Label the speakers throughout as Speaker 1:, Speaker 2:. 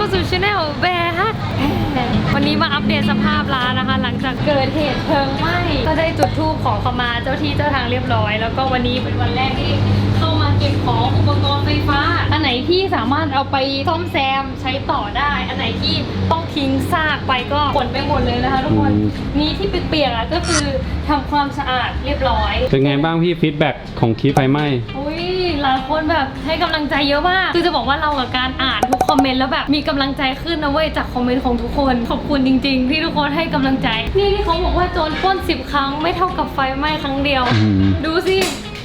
Speaker 1: เข้าสู่ช anel แบร์ฮักวันนี้มาอัปเดตสภาพร้านนะคะ หลังจากเกิดเหตุเพลิงไหม้ก็ได้จุดธูปขอขมาเจ้าที่เจ้าทางเรียบร้อยแล้วก็วันนี้เป็นวันแรกที่เข้ามาเก็บของอุปกรณ์ไฟฟ้าอันไหนที่สามารถเอาไปซ่อมแซมใช้ต่อได้อันไหนที่ต้องทิ้งซากไปก็ขนไปหมดเลยนะคะทุกคนนี่ที่เปียกๆก็คือทำความสะอาดเรียบร้อย
Speaker 2: เป็นไงบ้างพี่ฟีดแบ็กของคลิปไฟไหม้
Speaker 1: อุ้ยหลายคนแบบให้กำลังใจเยอะมากคือจะบอกว่าเรากับการอ่านทุกคอมเมนต์แล้วแบบมีกำลังใจขึ้นนะเว้ยจากคอมเมนต์ของทุกคนขอบคุณจริงๆที่ทุกคนให้กำลังใจนี่ที่เขาบอกว่าโจรปล้น10 ครั้งไม่เท่ากับไฟไหม้ครั้งเดียวดูสิ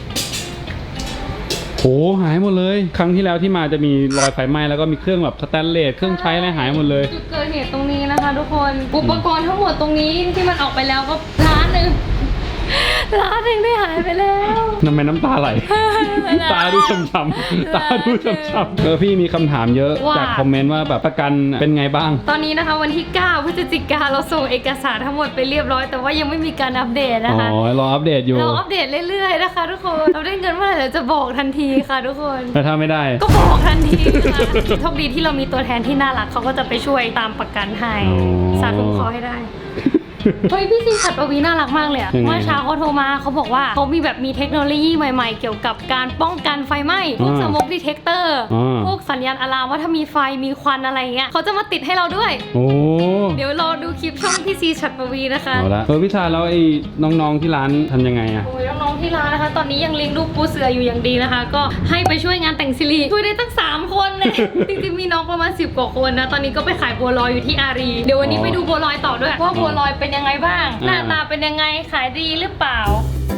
Speaker 2: โหหายหมดเลยครั้งที่แล้วที่มาจะมีรอยไฟไหม้แล้วก็มีเครื่องแบบสแตนเลสเครื่องใช้อะไรหายหมดเลย
Speaker 1: จุดเกิดเหตุตรงนี้นะคะทุกคนอุปกรณ์ทั้งหมดตรงนี้ที่มันออกไปแล้วก็ล้านหนึ่งได้หายไปแล้ว
Speaker 2: ทำไมน้ำตาไหล ตาดูช้ำๆตาดูช้ำๆพี่มีคำถามเยอะจากคอมเมนต์ว่าแบบประกันเป็นไงบ้าง
Speaker 1: ตอนนี้นะคะวันที่9 พฤศจิกายนเราส่งเอกสารทั้งหมดไปเรียบร้อยแต่ว่ายังไม่มีการอัปเดตนะคะ
Speaker 2: รออัปเดตอยู่
Speaker 1: เราอัปเดตเรื่อยๆนะคะทุกคนเราได้เงินเมื่อไหร่เราจะบอกทันทีค่ะทุกคน
Speaker 2: แต่ถ้าไม่ได้
Speaker 1: ก็บอกทันทีค่ะโชคดีที่เรามีตัวแทนที่น่ารักเขาก็จะไปช่วยตามประกันให้สาธุขอให้ได้เฮ้ยพี่ซีฉัตรปวีน่ารักมากเลยอะเมื่อเช้าเขาโทรมาเขาบอกว่าเขามีแบบมีเทคโนโลยีใหม่ๆเกี่ยวกับการป้องกันไฟไหม้พวกสโมกดีเทคเตอร์พวกสัญญาณอะลามว่าถ้ามีไฟมีควันอะไรเงี้ยเขาจะมาติดให้เราด้วย
Speaker 2: โอ้
Speaker 1: เดี๋ยวรอดูคลิปช่องพี่ซีฉัตรปวีนะคะ
Speaker 2: เอาละพี่ชาแล้วไอ้น้องๆที่ร้านทำยังไงอะ
Speaker 1: โอ้ยน้องๆที่ร้านนะคะตอนนี้ยังเลี้ยงลูกปูเสืออยู่อย่างดีนะคะก็ให้ไปช่วยงานแต่งซิลีช่วยได้ตั้ง3 คนเลยจริงๆมีน้องประมาณ10 กว่าคนนะตอนนี้ก็ไปขายบัวลอยอยู่ที่อารีเดี๋ยววันนี้ไปดูบัวลอยต่อด้วยว่าบัวลอยเป็นยังไงบ้างหน้าตาเป็นยังไงขายดีหรือเปล่า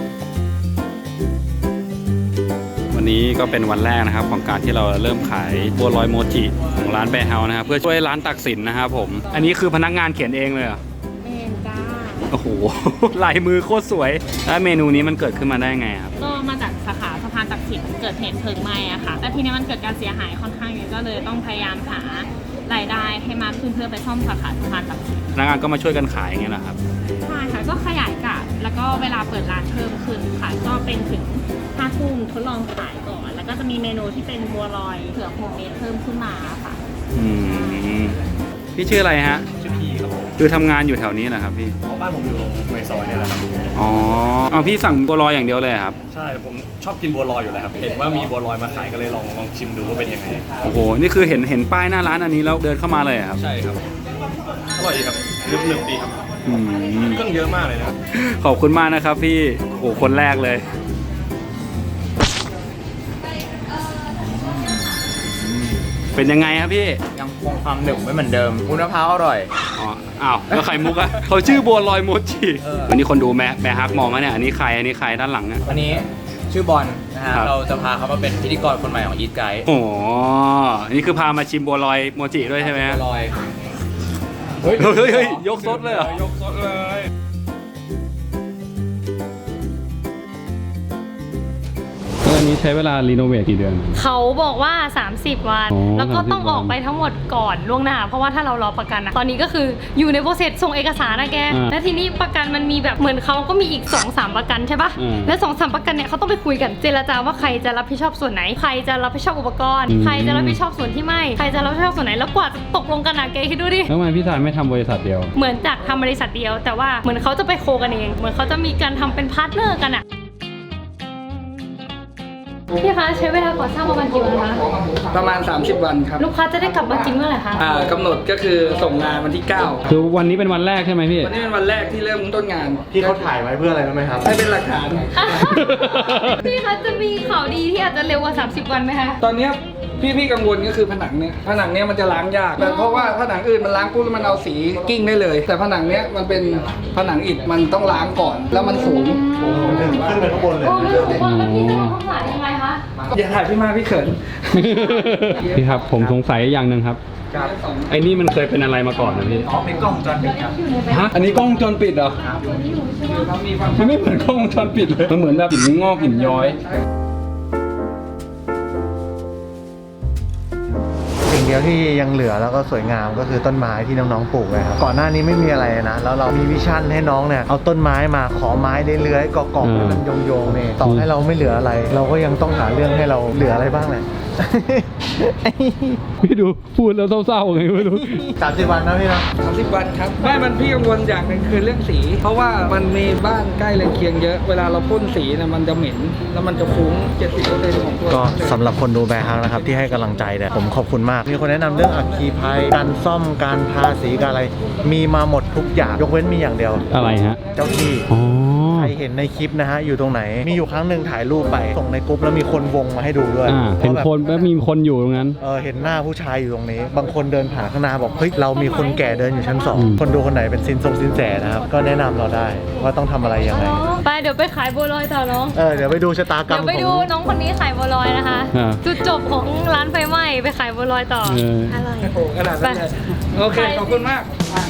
Speaker 2: วันนี้ก็เป็นวันแรกนะครับของการที่เราเริ่มขายบัวลอยโมจิของร้านแบร์เฮาส์นะครับเพื่อช่วยร้านตักสินนะครับผมอันนี้คือพนักงานเขียนเองเลยเหรอ
Speaker 1: เองจ้า
Speaker 2: โอ้โหลายมือโคตรสวยแล้วเมนูนี้มันเกิดขึ้นมาได้ไงครับ
Speaker 3: ก็มาจากสาขาสะพานตักสินเกิดเหตุเพลิงไหม้อะค่ะแล้วทีนี้มันเกิดการเสียหายค่อนข้างเยอะก็เลยต้องพยายามหารายได้ให้มากขึ้นเพื่อไปซ่อมสาขาสะพานตักสิน
Speaker 2: พนักงานก็มาช่วยกันขายอย่างเงี้ยนะครับ
Speaker 3: ใช่ค่ะก็ขยายกะแล้วก็เวลาเปิดร้านเพิ่มขึ้นค่ะก็เป็นถึง5 ทุ่มทดลองขายก่อนแล้วก็จะมีเมนูที่เป็นบัวลอยเผือกโฮมเมดเพิ่มขึ้นมาค่ะ
Speaker 2: พี่ชื่ออะไรฮะ
Speaker 4: ชื่อพี่ครับผม
Speaker 2: คือทำงานอยู่แถวนี้นะครับพี่
Speaker 4: บ้านผมอยู่ในซอยเนี่ยแหละครับ
Speaker 2: อ๋อเอาพี่สั่งบัวลอยอย่างเดียวเลยครับ
Speaker 4: ใช่ผมชอบกินบัวลอยอยู่แล้วครับเห็นว่ามีบัวลอยมาขายก็เลยลองชิมดูว่าเป็นยังไง
Speaker 2: โอ้โหนี่คือเห็นป้ายหน้าร้านอันนี้แล้วเดินเข้ามาเลยครับ
Speaker 4: ใช่ครับอร่อยดีครับนึบๆดีครับเครื่องเยอะมากเลยนะ
Speaker 2: ขอบคุณมากนะครับพี่โอ้คนแรกเลยเป็นยังไงครับพี่
Speaker 5: ยังคงความหนึบไม่เหมือนเดิมวุ้นมะพร้าวอร่อย
Speaker 2: อ๋ออ้าวแล้วไข่มุกอะเขาชื่อบัวลอยโมจิวันนี้คนดูแม่ฮักมองนะเนี่ยอันนี้ใครด้านหลังนะ
Speaker 5: วันนี้ชื่อบอลนะฮะเราจะพาเขามาเป็นพิธีกรคนใหม่ของอีทไกด์
Speaker 2: โอ้นี่คือพามาชิมบัวลอยโมจิด้วยใช่ไหม
Speaker 5: บัวลอย
Speaker 2: เฮ้ยยกซดเลยเหรอย
Speaker 4: กซดเลย
Speaker 2: อันนี้ใช้เวลารีโนเวทกี่เดือน
Speaker 1: เขาบอกว่า30 วันแล้วก็ต้องออกไปทั้งหมดก่อนล่วงหน้าเพราะว่าถ้าเรารอประกันนะตอนนี้ก็คืออยู่ในโปรเซสส่งเอกสารนะแกและทีนี้ประกันมันมีแบบเหมือนเขาก็มีอีก 2-3 ประกันใช่ปะและ 2-3 ประกันเนี่ยเขาต้องไปคุยกันเจรจาว่าใครจะรับผิดชอบส่วนไหนใครจะรับผิดชอบอุปกรณ์ใครจะรับผิดชอบส่วนที่ไม่ใครจะรับผิดชอบส่วนไหนแล้วกว่าจะตกลงกันนะแกคิดดูดิ
Speaker 2: แล้วทำไมพี่ชายไม่ทำบริษัทเดียว
Speaker 1: เหมือนจากทำบริษัทเดียวแต่ว่าเหมือนเขาจะไปโคกันเองเหมือนเขาจะมีการทำเป็นพาร์ทเนอร์กันอะพี่คะใช้เวลาก่อสร้างประมาณกี่วันคะ
Speaker 6: ประมาณ30 วันครับ
Speaker 1: ลูกค้าจะได้กลับมากินเมื่อไหร่คะ
Speaker 6: กำหนดก็คือส่งงานวันที่9
Speaker 2: คือวันนี้เป็นวันแรกใช่ไหมพี่
Speaker 6: วันนี้เป็นวันแรกที่เริ่มต้นงาน
Speaker 4: พี่เขาถ่ายไว้เพื่ออะไรรู้ไหมครับ
Speaker 6: ให้เป็นหลักฐาน
Speaker 1: พี่คะจะมีข่าวดีที่อาจจะเร็วกว่า30 วันไหมคะ
Speaker 6: ตอนนี้พี่กังวลก็คือผนังเนี้ยมันจะล้างยากเพราะว่าผนังอื่นมันล้างปุ๊บแล้วมันเอาสีกิ้งได้เลยแต่ผนังเนี้ยมันเป็นผนังอิฐมันต้องล้างก่อนแล้วมันสูง
Speaker 4: ขึ้นไปข้างบนเลย
Speaker 1: แล้วพี่จะต้องถ่ายยังไงคะ
Speaker 6: อย่าถ่ายพี่มาพี่เขิน
Speaker 2: พี่ครับผมสงสัยอย่างหนึ่งครับไอ้นี่มันเคยเป็นอะไรมาก่อนนะพี่
Speaker 4: เป็นกล้องวงจรปิดครับ
Speaker 2: ฮะอันนี้กล้องวงจรปิดเหรอมันไม่เหมือนกล้องวงจรปิดเลยมันเหมือนแบบหินงอกหินย้อย
Speaker 7: สิ่งเดียวที่ยังเหลือแล้วก็สวยงามก็คือต้นไม้ที่น้องๆปลูกเลยครับก่อนหน้านี้ไม่มีอะไรนะแล้วเรามีวิชั่นให้น้องเนี่ยเอาต้นไม้มาขอไม้เลื้อยๆเกาะๆให้มันโยงๆเนี่ยต่อให้เราไม่เหลืออะไรเราก็ยังต้องหาเรื่องให้เราเหลืออะไรบ้างแหละ
Speaker 2: พี่ดูพูดแล้วเศร้าๆไงไม่รู้
Speaker 7: 30 วันนะพี่นะ
Speaker 6: 30 วันครับไม่มันพี่กังวลอย่างหนึ่งคือเรื่องสี เพราะว่ามันมีบ้านใกล้เรือนเคียงเยอะเวลาเราพ่นสีนะมันจะเหม็นแล้วมันจะฟุ้ง 70% ของตัว
Speaker 7: ก็สำหรับคนดูแบร์ฮักนะครับที่ให้กำลังใจเนี่ยผมขอบคุณมาก มีคนแนะนำเรื่องอัคคีภัยการซ่อมการทาสีการอะไร มีมาหมดทุกอย่างยกเว้นมีอย่างเดียว
Speaker 2: อะไรฮะ
Speaker 7: เจ้าที่
Speaker 2: อ๋อ
Speaker 7: ใครเห็นในคลิปนะฮะอยู่ตรงไหน มีอยู่ครั้งหนึ่งถ่ายรูปไปส่งในกรุ๊ปแล้วมีคนวงมาให้ดูด้วย
Speaker 2: เห็น
Speaker 7: ว่าแบบ
Speaker 2: คนแล้วมีคนอยู่ตรงนั้น
Speaker 7: เห็นหน้าผู้ชายอยู่ตรงนี้ บางคนเดินผ่านข้างหน้าบอกเฮ้ยเรามีคนแก่เดินอยู่ชั้น
Speaker 2: อืม
Speaker 7: 2 คนดูคนไหนเป็นซินแสนะครับก็แนะนำเราได้ว่าต้องทำอะไรยังไง
Speaker 1: ไปเดี๋ยวไปขายบัวลอยต่อน้อง
Speaker 7: เดี๋ยวไปดูชะตากรร
Speaker 1: เดี๋ย
Speaker 7: ม
Speaker 1: วไป
Speaker 7: ข
Speaker 1: ดู
Speaker 7: อง
Speaker 1: น้องคนนี้ขายบัวลอยนะคะ
Speaker 2: อ่า
Speaker 1: จุดจบของร้านไฟไหม้ไปขายบัวลอยต่อ อร่อย
Speaker 6: โอ้โหขนาดนั้นเลยโอเค ขอบคุณมาก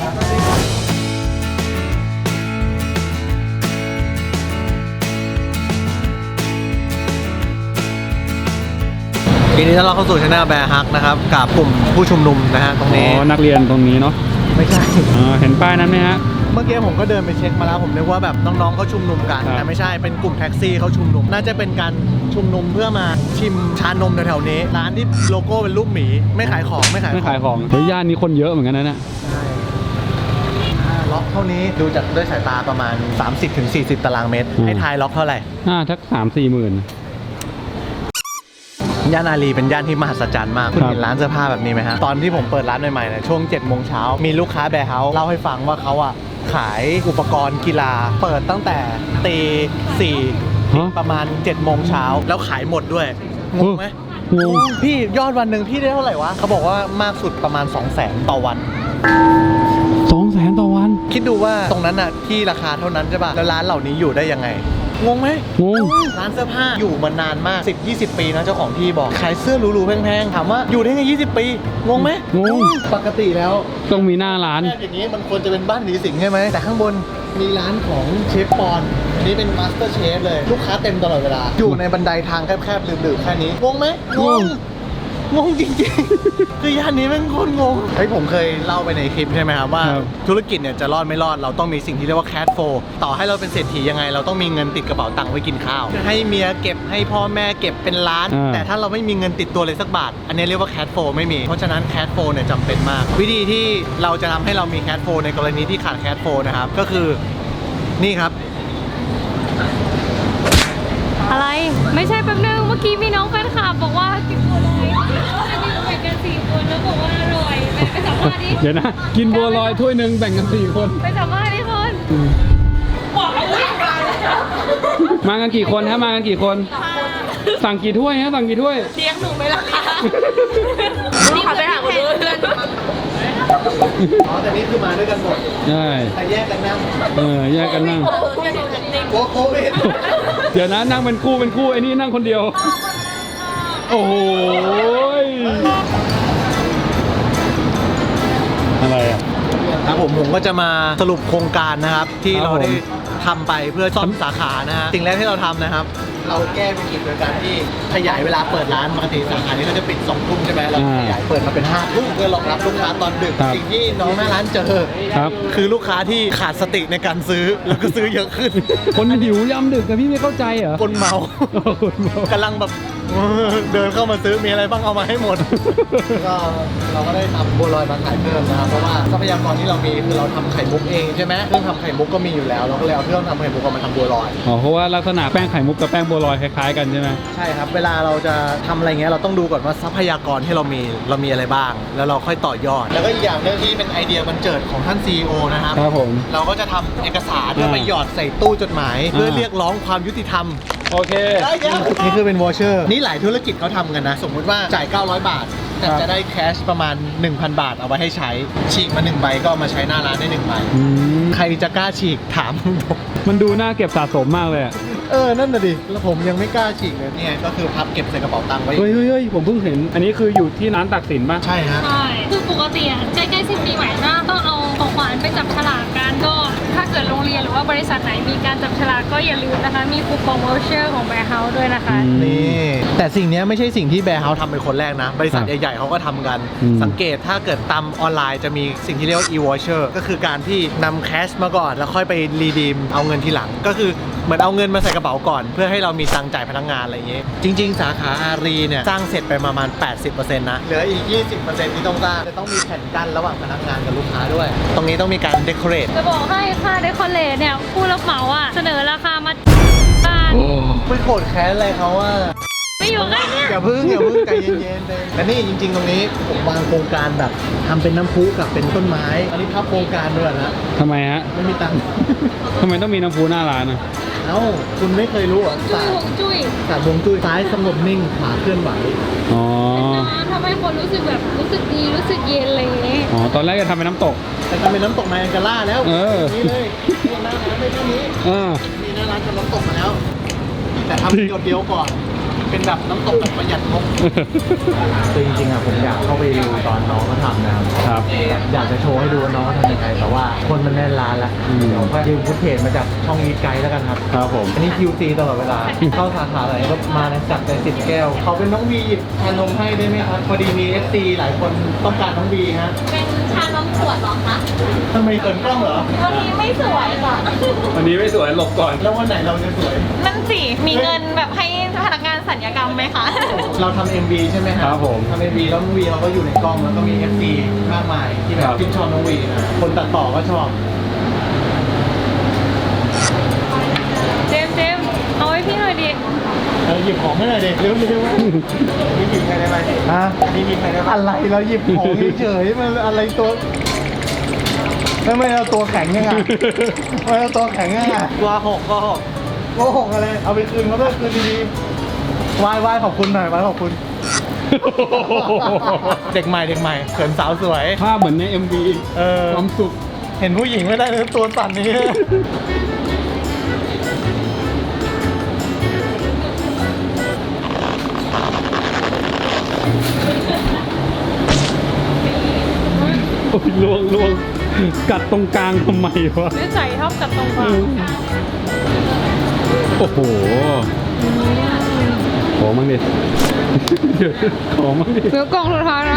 Speaker 7: ทีนี้ถ้าเราเข้าสู่ช anel แบร์ฮักนะครับกับกลุ่มผู้ชุมนุมนะฮะตรง
Speaker 2: อ๋
Speaker 7: นี้
Speaker 2: อ นักเรียนตรงนี้เนาะ
Speaker 7: ไม่ใช่
Speaker 2: เห็นป้ายนั้นไหมฮะ
Speaker 7: เมื่อกี้ผมก็เดินไปเช็คมาแล้วผมนึกว่าแบบน้องๆเขาชุมนุมกัน
Speaker 2: ครับ
Speaker 7: แต่ไม่ใช่เป็นกลุ่มแท็กซี่เขาชุมนุม น่าจะเป็นการชุมนุมเพื่อมาชิมชานมแถวๆนี้ ร้านที่โลโก้เป็นรูปหมีไม่ขายของไม่ขาย
Speaker 2: ไม่
Speaker 7: ขอ
Speaker 2: ขาง ยของเฮ้ยย่านนี้คนเยอะเหมือนกันนะเนี่ย
Speaker 7: ใช่ล็อกเท่านี้ดูจากด้วยสายตาประมาณ 30-40 ตารางเมตร ให้ทายล็อกเท่าไหร่
Speaker 2: ทัก3-4 หมื่น
Speaker 7: ย่านอารีเป็นย่านที่มหัศจรรย์มาก คุณ
Speaker 2: ครับ
Speaker 7: เห็นร้านเสื้อผ้าแบบนี้ไหมฮะ ตอนที่ผมเปิดร้านใหม่ๆเนี่ยช่วง 7 โมงเช้า มีลูกค้าแบร์เฮาส์เล่าให้ฟังว่าเขาอ่ะขายอุปกรณ์กีฬา เปิดตั้งแต่ตีสี่
Speaker 2: ฮะ
Speaker 7: ประมาณ 7 โมงเช้า แล้วขายหมดด้วย งงไหม
Speaker 2: งง
Speaker 7: พี่ยอดวันหนึ่งพี่ได้เท่าไหร่วะ เขาบอกว่ามากสุดประมาณ 200,000 ต่อวัน
Speaker 2: 200,000 ต่อวัน
Speaker 7: คิดดูว่าตรงนั้นอ่ะที่ราคาเท่านั้นใช่ป่ะ แล้วร้านเหล่านี้อยู่ได้ยังไง งงไหม
Speaker 2: งง
Speaker 7: ร้านเสื้อผ้าอยู่มานานมาก 10-20 ปีนะเจ้าของที่บอก ขายเสื้อหรูๆแพงๆ ถามว่าอยู่ได้ไง20 ปี งงไหม
Speaker 2: งง
Speaker 7: ปกติแล้ว
Speaker 2: ต้องมีหน้าร้าน
Speaker 7: แรกอย่างนี้มันควรจะเป็นบ้านผีสิงใช่ไหม แต่ข้างบนมีร้านของเชฟปอนอันนี้เป็นมาสเตอร์เชฟเลย ลูกค้าเต็มตลอดเวลา อยู่ในบันไดทางแคบๆลืมๆแค่นี้ งงไหมงง งงจริงๆ คือย่านนี้แม่งโคตรงงเฮ้ยผมเคยเล่าไปในคลิปใช่ไหมครับว่า
Speaker 2: ครับ
Speaker 7: ธุรกิจเนี่ยจะรอดไม่รอดเราต้องมีสิ่งที่เรียกว่าแคชโฟต่อให้เราเป็นเศรษฐียังไง เราต้องมีเงินติดกระเป๋าตังค์ไว้กินข้าว ให้เมียเก็บให้พ่อแม่เก็บเป็นล้าน แต่ถ้าเราไม่มีเงินติดตัวเลยสักบาท อันนี้เรียกว่าแคชโฟไม่มี เพราะฉะนั้นแคชโฟเนี่ยจำเป็นมาก วิธีที่เราจะทำให้เรามีแคชโฟในกรณีที่ขาดแคชโฟนะครับก็คือนี่ครับ
Speaker 1: อะไร ไม่ใช่แป๊บนึง เมื่อกี้มีน้องแฟนคลับบอกว่ากินบัวลอยอันนี้แบ่งกัน4 คนแล้วบอกว่าอร่อยไปสัมภาษณ์ดิ
Speaker 2: เดี๋ยวนะ กินบัวลอยถ้วยหนึ่งแบ่งกัน 4 คน
Speaker 1: ไปสัมภาษณ์ดิคน
Speaker 2: มากันกี่คนฮะ มากันกี่คน สั่งกี่ถ้วยฮะ สั่งกี่ถ้วย
Speaker 3: เลี้ยงหนูไหมล่ะคะนี่เขาไปหาคนอื่น
Speaker 7: อ๋อแต่นี่คือมาด้วยกันหมด
Speaker 2: ใช่
Speaker 7: แต่แยกกันนั่ง
Speaker 2: แยกกันนั่ง
Speaker 7: โอ้โหไม่เห็น
Speaker 2: เดี๋ยวนะนั่งเป็นคู่ไอ้นี่นั่งคนเดียว โอ้โหยอะไรอ่ะ
Speaker 7: ครับผมก็จะมาสรุปโครงการนะครับ ที่
Speaker 2: ครับ
Speaker 7: เราได้
Speaker 2: ผม
Speaker 7: ทำไปเพื่อซ่อมสาขานะฮะสิ่งแรกที่เราทำนะครับ เราแก้วิกฤตโดยการที่ขยายเวลาเปิดร้านปกติสาขานี้ก็จะปิด2 ทุ่มใช่ไหมเราขยายเปิดมาเป็น5 ทุ่มเพื่อรองรับลูกค้าตอนดึก
Speaker 2: ครับ
Speaker 7: สิ่งที่น้องหน้าร้านเจอ
Speaker 2: ครับ
Speaker 7: คือลูกค้าที่ขาดสติในการซื้อแล้วก็ซื้อเยอะขึ้น
Speaker 2: คนหิวยำดึกแต่พี่ไม่เข้าใจเหรอ
Speaker 7: คนเมา
Speaker 2: คนเมาก
Speaker 7: ำลังแบบเดินเข้ามาซื้อมีอะไรบ้างเอามาให้หมด ก็เราก็ได้ทำบัวลอยมาขายเพิ่มนะครับเพราะว่าทรัพยากรที่เรามีคือเราทำไข่มุกเองใช่ไหมเครื่องทำไข่มุกก็มีอยู่แล้วเราก็เลยเอาเครื่องทำไข่มุกเอามาทำบัวลอย
Speaker 2: อ๋อเพราะว่าลักษณะแป้งไข่มุกกับแป้งบัวลอยคล้ายๆกันใช่ไหม
Speaker 7: ใช่ครับเวลาเราจะทำอะไรเงี้ยเราต้องดูก่อนว่าทรัพยากรที่เรามีอะไรบ้าง แล้วเราค่อยต่อยอด แล้วก็อีกอย่างหนึงที่เป็นไอเดียบันเจิดของท่าน CEO นะครับ
Speaker 2: ครับผม
Speaker 7: เราก็จะทำเอกสารเพื่อไปหยอดใส่ตู้จดหมาย เพื่อเรียกร้องความยุติธรรม
Speaker 2: โอเค
Speaker 7: นี่คือเป็นวอเชอร์นี่หลายธุรกิจเขาทำกันนะ สมมุติว่าจ่าย 900 บาท แต่
Speaker 2: ครับ
Speaker 7: จะได้แคชประมาณ 1,000 บาทเอาไว้ให้ใช้ ฉีกมา1ใบก็เอามาใช้หน้าร้านได้1ใบ
Speaker 2: อืม
Speaker 7: ใครจะกล้าฉีกถามผม
Speaker 2: มันดูน่าเก็บสะสมมากเลยอะ
Speaker 7: นั่นน่ะดิ แล้วผมยังไม่กล้าฉีกเลยเนี่ยก็คือพับเก็บใส่กระเป๋าตังค์ไว้
Speaker 2: เฮ้ยผมเพิ่งเห็น อันนี้คืออยู่ที่ร้านตักสินป่ะ
Speaker 7: ใช่ฮะ
Speaker 1: ใช่ คือปกติอ่ะใกล้ๆสิ้นปีใหม่ก็ต้องเอาของขวัญไปจับฉลากกันก็ถ้าเกิดโรงเรียนหรือว่าบริษัทไหนมีการจับฉลากก็อย่าลืมนะคะ มีคูปอง voucher ของแบร์เฮาส์ด้วยนะคะ
Speaker 7: นี่แต่สิ่งเนี้ยไม่ใช่สิ่งที่แบร์เฮาส์ทำเป็นคนแรกนะ บริษัท
Speaker 2: ครับ
Speaker 7: ใหญ่ๆเขาก็ทำกัน
Speaker 2: อืม
Speaker 7: สังเกตถ้าเกิดตามออนไลน์จะมีสิ่งที่เรียกว่า e-voucher ก็คือการที่นำแคชมาก่อนแล้วค่อยไปรีดีมเอาเงินทีหลัง ก็คือเหมือนเอาเงินมาใส่กระเป๋าก่อนเพื่อให้เรามีตังค์จ่ายพนักงานอะไรอย่างเงี้ยจริง ๆ สาขาอารีเนี่ยสร้างเสร็จไปประมาณ 80% นะเหลืออีก 20% ที่ต้องสร้างจะต้องมีแผ่นกั้นระหว่างพนักงานกับลูกค้าด้วย ตรงนี้ต้องมีการเดคอเรท
Speaker 1: จะบอกให้ค่าเดคอเรทเนี่ยผู้รับเหมาอ่ะเสนอราคามาบ้าน
Speaker 7: ไม่โกรธแค้นอะไรเขาว่า
Speaker 1: ไม่อยู่ใกล้เนี่ย
Speaker 7: อย่าพึ่งใจเย็นๆแต่นี่จริง ๆ ตรงนี้ผมวางโครงการแบบทำเป็นน้ำพุกับเป็นต้นไม้อันนี้พับโครงการด้วยนะ
Speaker 2: ทำไมฮะ
Speaker 7: ไม่มีตังค์
Speaker 2: ทำไมต้องมีน้ำพุหน้าร้านอ่ะ
Speaker 7: เอ้าคุณไม่เคยรู้เหรอ
Speaker 1: จุ้ยหงจุ้ย
Speaker 7: ศาสตร์ฮวงจุ้ยซ้ายสงบนิ่งขวาเคลื่อนไหว
Speaker 2: อ๋อ
Speaker 1: ทำให้คนรู้สึกแบบรู้สึกดีรู้สึกเย็นอะไรอย่างเงี้ย
Speaker 2: อ๋อ ตอนแรกจะทำเป็นน้ำตก
Speaker 7: แต่ทำเป็นน้ำตกไนแองการ่าแล้ว
Speaker 2: เออ
Speaker 7: นี่เลยนี่หน้าร้านไม่เท่านี้
Speaker 2: เออ
Speaker 7: นี่หน้าร้านทำน้ำตกมาแล้ว แต่ทำเดียวก่อน เป็นแบบน้ำตกแบบประหยัดงบคือจริงๆอะผมอยากเข้าไปดูตอนน้องเขาทำนะครับ อยากจะโชว์ให้ดูว่าน้องเขาทำยังไงแต่ว่าคนมันแน่นร้านแล้วเดี๋ยวก็ยืมฟุตเทจมาจากช่องอีทไกด์แล้วกันครับ
Speaker 2: ครับผม
Speaker 7: อันนี้ QC ตลอดเวลา เข้าสาขาไหนก็มานะจัดไป10 แก้ว เขาเป็นน้องวีหยิบชานมให้ได้ไหมครับ พอดีมี FC หลายคนต้องการน้องวีฮะ
Speaker 3: เป็นชานมขวดเหรอคะ
Speaker 7: ทำไมเกินกล้องเหรอ
Speaker 3: วันนี้ไม่สวยค่ะ
Speaker 2: วันนี้ไม่สวยหลบก่อน
Speaker 7: แล้ววันไหนเราจะสวย
Speaker 3: นั่นสิ มีเงินแบบให้พนักงานสัญญกรรมไหมคะ
Speaker 7: เราทำ MV ใช่ไหม
Speaker 2: ครับผม
Speaker 7: ทำ MV แล้วน้องวีเราก็อยู่ในกล้องแล้วก็มี FC มากมายที่แบบชื่นชอบน้องวีนะคนตัดต่อก็ชอบ
Speaker 1: เจมส์เอาไว้พี่หน่อยดิ
Speaker 7: หยิบของให้หน่อยเด็กเร็วๆนี่หยิบใครได้ไหมฮะนี่หยิบใครได้ไหมอะไรเราหยิบของเฉยๆมันอะไรตัวไม่เอาตัวแข็งยังไงไม่เอาตัวแข็งยังไงตัวหกอะไรเอาไปคืนเขาด้วยคืนดีๆไหว้ขอบคุณหน่อยไหว้ขอบคุณ เด็กใหม่เขินสาวสวย
Speaker 2: ภาพเหมือนใน MV ความสุข
Speaker 7: เห็นผู้หญิงไม่ได้เลยตัวสั่นนี้
Speaker 2: โอ้ยล่วงกัดตรงกลางทำไมวะ
Speaker 1: นิสัยชอบกัดตรงกลาง
Speaker 2: โอ้โห ขอมั่งดิ เดี๋ยวขอมั่งดิ
Speaker 1: เหลือกล่องสุดท้ายแล้ว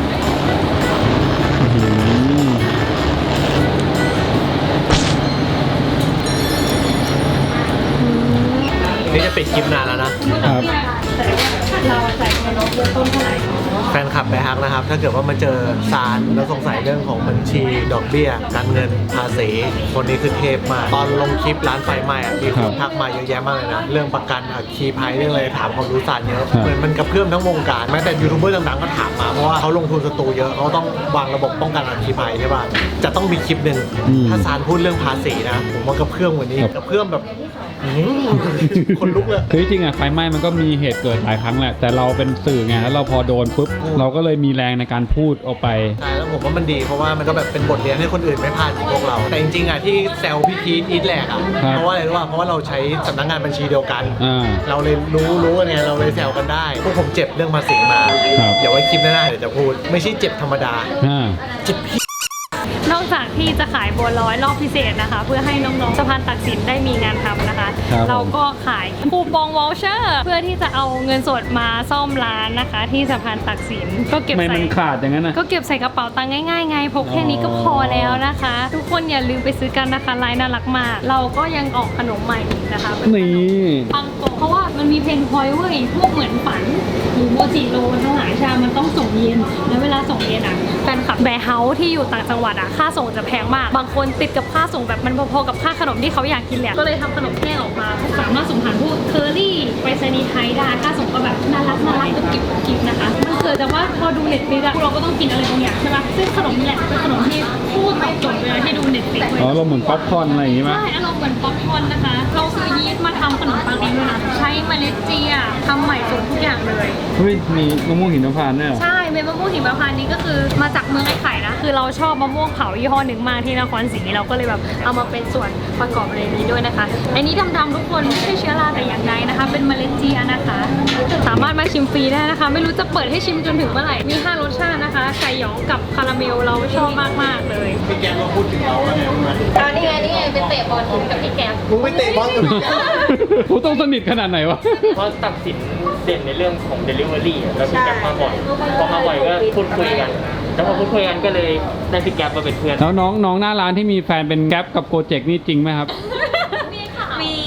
Speaker 7: นี่จะปิดคลิปนานแล้วนะ
Speaker 2: ครับ
Speaker 1: เราใส่เงินเริ่มต้นเท่าไหร่
Speaker 7: แฟนคลับไปฮักนะครับ ถ้าเกิดว่ามาเจอซานแล้วสงสัยเรื่องของบัญชีดอกเบี้ย การเงินภาษีคนนี้คือเทพมาก ตอนลงคลิปร้านไฟไหม้อะมีคนทักมาเยอะแยะมากเลยนะ เรื่องประกันอัคคีภัยเรื่องอะไรถามความรู้ซานเยอะเหมือนมันกระเพื่อมทั้งวงการแม้แต่ยูทูบเบอร์ดังๆก็ถามมาเพราะว่าเขาลงทุนสตูเยอะเขาต้องวางระบบป้องกันอัคคีภัยใช่ป่ะจะต้องมีคลิปหนึ่งถ้าซานพูดเรื่องภาษีนะผมว่ากระเพื่อมกว่านี้กระเพื่อมแบบคนลุกเลย
Speaker 2: คือจริงอะไฟไหม้มันก็มีเหตุเกิดหลายครั้งแหละ แต่เราเป็นสื่อไง แล้วเราพอโดนปุ๊บ เราก็เลยมีแรงในการพูดออกไป
Speaker 7: ใช่แล้วผมว่ามันดีเพราะว่ามันก็แบบเป็นบทเรียนให้คนอื่นไม่พลาดอย่างพวกเรา แต่จริงๆอ่ะที่แซวพี่พีทอีทแหลกอ่ะ
Speaker 2: ครับ
Speaker 7: เพราะว่าอะไรรู้ป่ะเพราะว่าเราใช้สำนักงานบัญชีเดียวกัน
Speaker 2: อ่า
Speaker 7: เราเลยรู้กันไงเราเลยแซวกันได้พวกผมเจ็บเรื่องภาษีมา
Speaker 2: ครับ
Speaker 7: เดี๋ยวไว้คลิปหน้าๆเดี๋ยวจะพูด ไม่ใช่เจ็บธรรมดา
Speaker 2: อ่า
Speaker 7: เจ็บพี่
Speaker 1: นอกจากที่จะขายบัวลอยรอบพิเศษนะคะ เพื่อให้น้องๆสะพานตักสินได้มีงานทำนะคะ
Speaker 2: ครับ
Speaker 1: เราก็ขายคูปองวอลเชอร์เพื่อที่จะเอาเงินสดมาซ่อมร้านนะคะ ที่สะพานตักสินก็เก็บ
Speaker 2: ไม่
Speaker 1: ใส่
Speaker 2: มันขาดอย่างนั้นนะ
Speaker 1: ก็เก็บใส่กระเป๋าตังค์ง่ายๆไงพกแค่นี้ก็พอแล้วนะคะ ทุกคนอย่าลืมไปซื้อกันนะคะลายน่ารักมาก เราก็ยังออกขนมใหม่อีกนะคะเป็นขนม
Speaker 2: นี่
Speaker 1: ปังโกะเพราะว่ามันมีเพนพอยต์เว้ยพวกเหมือนฝันหรือโมจิโรทั้งหลายชามันต้องส่งเย็นแล้วเวลาส่งเย็นอ่ะแฟนคลับแบร์เฮาส์ที่อยู่ต่างจังหวัดอ่ะค่าส่งจะแพงมากบางคนติดกับค่าส่งแบบมันพอๆกับค่าขนมที่เขาอยากกินแหละก็เลยทำขนมแห้งออกมาสามารถส่งผ่านพวกเคอรี่ไปรษณีย์ไทยได้ค่าส่งก็แบบน่ารักก็กิบนะคะมันเกิดจากว่าพอดูเน็ตฟลิกซ์อะพวกเราก็ต้องกินอะไรบางอย่างใช่ปะซึ่งขนมนี่แหละเป็นขนมที่พูดตอบโจทย์เวลาที่ดูเน็ตฟลิกซ์
Speaker 2: อ๋อเราเหมือนป๊อปคอร์นอะไรอย่างงี้มั้ย
Speaker 1: ใช่อารมณ์เหมือนป๊อปคอร์นนะคะ เราซื้อยีสต์มาทำขนมปังเองด้วยนะ ใช้เมล็ดเจียทำใหม่สดทุกอย่างเลย
Speaker 2: เฮ้ย มีมะม่วงหินพานต์ด้วยเหรอ
Speaker 1: ใช่เม็ดมะม่วงหิมพานต์นี้ก็คือมาจากเมืองไอ้ไข่นะ คือเราชอบมะม่วงเผายี่ห้อหนึ่งมากที่นครศรีเราก็เลยแบบเอามาเป็นส่วนประกอบในนี้ด้วยนะคะ อันนี้ดำๆทุกคนไม่ใช่เชื้อราแต่อย่างใดนะคะ เป็นเมล็ดเจียนะคะ สามารถมาชิมฟรีได้นะคะ ไม่รู้จะเปิดให้ชิมจนถึงเมื่อไหร่ มี 5 รสชาตินะคะ ไก่หยองกับคาราเมลเราชอบมากๆเลย
Speaker 7: พี่แกก็พูดถึงเราแล้วเนี่ย
Speaker 3: นี่ไงเป็นเตะบอลกับพี่แก๊ป
Speaker 7: มึงไปเตะบอลกับพี่แก
Speaker 2: กูต้องสนิทขนาดไหนวะ
Speaker 8: เพราะตัดสินเด่นในเรื่องของ Delivery อะแล้วพี่แก๊ปมาบ่อยพอมาบ่อยก็พูดคุยกัน แล้วพอพูดคุยกันก็เลยได้พี่แก๊ปมาเป็นเพื่อน
Speaker 2: แล้วน้องหน้าร้านที่มีแฟนเป็นแก๊ปกับโกเจกนี่จริงไหมครับ
Speaker 3: มี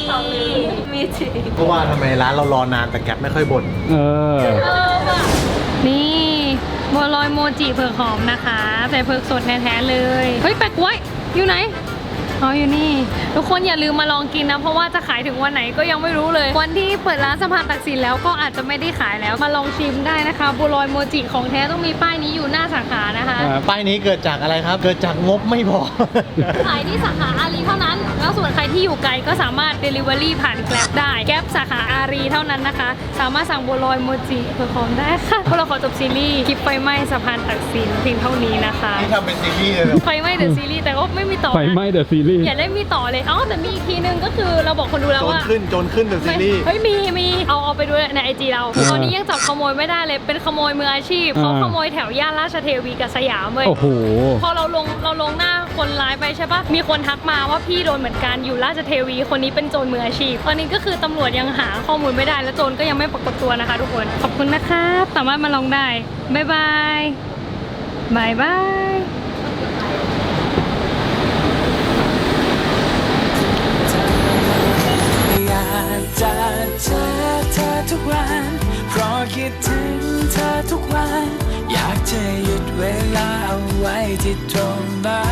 Speaker 3: มีจริง
Speaker 7: เพราะว่าทำไมร้านเรารอนานแต่แก๊ปไม่ค่อยบ่น
Speaker 2: เออ
Speaker 1: นี่บัวลอยโมจิเผือกหอมนะคะ ใส่เผือกสดแท้ๆเลย เฮ้ยแปะกล้วยอยู่ไหนอ๋ออยู่นี่ ทุกคนอย่าลืมมาลองกินนะ เพราะว่าจะขายถึงวันไหนก็ยังไม่รู้เลย วันที่เปิดร้านสะพานตักสินแล้วก็อาจจะไม่ได้ขายแล้วมาลองชิมได้นะคะบัวลอยโมจิของแท้ต้องมีป้ายนี้อยู่หน้าสาขานะคะ
Speaker 7: ป้ายนี้เกิดจากอะไรครับ เกิดจากงบไม่พอ
Speaker 1: ขายที่สาขาอารีเท่านั้น แล้วส่วนใครที่อยู่ไกลก็สามารถ Delivery ผ่านแกร็บได้แกร็บสาขาอารีเท่านั้นนะคะ สามารถสั่งบัวลอยโมจิเพื่อของได้ค่ะพวกเราขอจบซีรีส์คลิปไฟไหม้สะพานตักสินเพียงเท่านี้นะคะ
Speaker 7: นี่ทำเป็นซีรีส์เลยเหรอ
Speaker 1: ไฟไหม้เดอะซีรีส์แต่ก็ไม่มีต่อ
Speaker 2: ไฟไหม้เดอะซีรีส์
Speaker 1: อย่าได้มีต่อเลยอ๋อแต่มีอีกทีนึงก็คือเราบอกคนดูแล้ว
Speaker 7: โจร
Speaker 1: ว่า
Speaker 7: ขึ้นเดอะซีรีส์
Speaker 1: เฮ้ยมีเอาไปดูในไอจีเราตอนนี้ยังจับขโมยไม่ได้เลยเป็นขโมยมืออาชีพเขาขโมยแถวย่านราชเทวีกับสยามเลย
Speaker 2: โอ้โห
Speaker 1: พอเราลงหน้าคนร้ายไปใช่ปะมีคนทักมาว่าพี่โดนเหมือนกันอยู่ราชเทวีคนนี้เป็นโจรมืออาชีพตอนนี้ก็คือตำรวจยังหาข้อมูลไม่ได้และโจรก็ยังไม่ปรากฏตัวนะคะทุกคนขอบคุณนะครับสามารถมาลองได้บ๊ายบายบายบาย
Speaker 9: อยากจะเจอเธอทุกวันเพราะคิดถึงเธอทุกวันอยากจะหยุดเวลาเอาไว้ที่ตรงนั้